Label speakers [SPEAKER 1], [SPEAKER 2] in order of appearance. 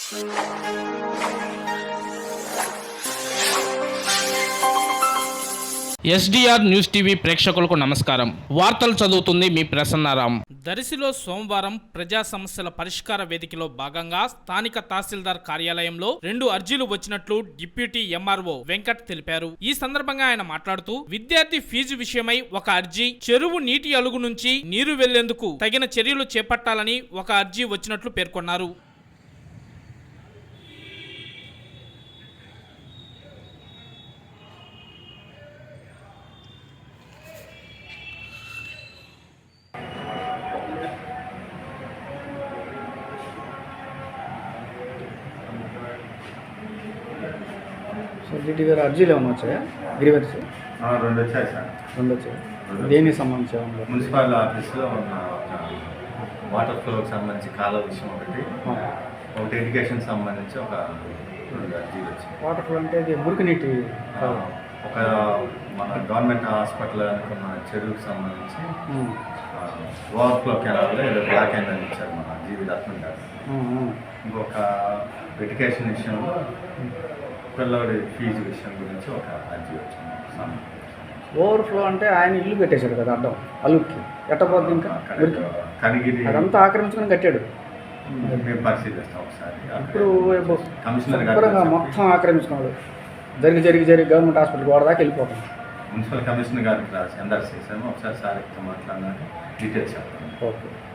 [SPEAKER 1] SDR news TV ప్రేక్షకులకు నమస్కారం. వార్తలు చదువుతుంది మీ ప్రసన్నారాం. దర్శిలో సోమవారం ప్రజా సమస్యల పరిష్కార వేదికలో భాగంగా స్థానిక తహసీల్దార్ కార్యాలయంలో 2 అర్జీలు వచ్చినట్లు డిప్యూటీ ఎంఆర్ఓ వెంకట్ తెలిపారు. ఈ సందర్భంగా ఆయన మాట్లాడుతూ విద్యార్థి ఫీజు విషయమై ఒక అర్జీ, చెరువు నీటి అలుగు నుంచి నీరు వెళ్లేందుకు తగిన చర్యలు చేపట్టాలని ఒక అర్జీ వచ్చినట్లు పేర్కొన్నారు.
[SPEAKER 2] సో డిటి గారు అర్జీలు ఏమైనా వచ్చాయా? గ్రీవెన్స్
[SPEAKER 3] 2 వచ్చాయి సార్.
[SPEAKER 2] 2 వచ్చాయి. దేనికి సంబంధించి?
[SPEAKER 3] మున్సిపల్ ఆఫీస్లో ఉన్న వాటర్ ఫ్లోకి సంబంధించి కాలువ విషయం ఒకటి ఎడ్యుకేషన్ సంబంధించి ఒక 2 అర్జీలు వచ్చాయి.
[SPEAKER 2] వాటర్ ఫ్లో అంటే ఇది మురికి నీటి
[SPEAKER 3] ఒక మన గవర్నమెంట్ హాస్పిటల్ అనుకున్న చెరువుకి సంబంధించి ఓవర్ఫ్లో కెనాల్లో ఏదో బ్లాక్ అయిందని ఇచ్చారు మన జీవి రత్నం గారు. ఇంకొక ఎడ్యుకేషన్ విషయంలో పిల్లవాడి ఫీజు విషయం గురించి ఒక అర్జీ వచ్చింది.
[SPEAKER 2] ఓవర్ఫ్లో అంటే ఆయన ఇల్లు పెట్టేశాడు కదా అడ్డం అలుక్కి, ఎట్టపోద్ది ఇంకా
[SPEAKER 3] కనిగిరి
[SPEAKER 2] అదంతా ఆక్రమించుకొని కట్టాడు.
[SPEAKER 3] మేము పరిశీలిస్తాం ఒకసారి.
[SPEAKER 2] ఇప్పుడు
[SPEAKER 3] కమిషనర్
[SPEAKER 2] మొత్తం ఆక్రమించుకున్నాడు. జరిగి గవర్నమెంట్ హాస్పిటల్ గోడ దాకా వెళ్ళిపోతాం.
[SPEAKER 3] మున్సిపల్ కమిషనర్ గారికి రాసి ఎందరు చేసాము. ఒకసారి సార్ మాట్లాడినాక డీటెయిల్స్ చెప్తాను.
[SPEAKER 2] ఓకే.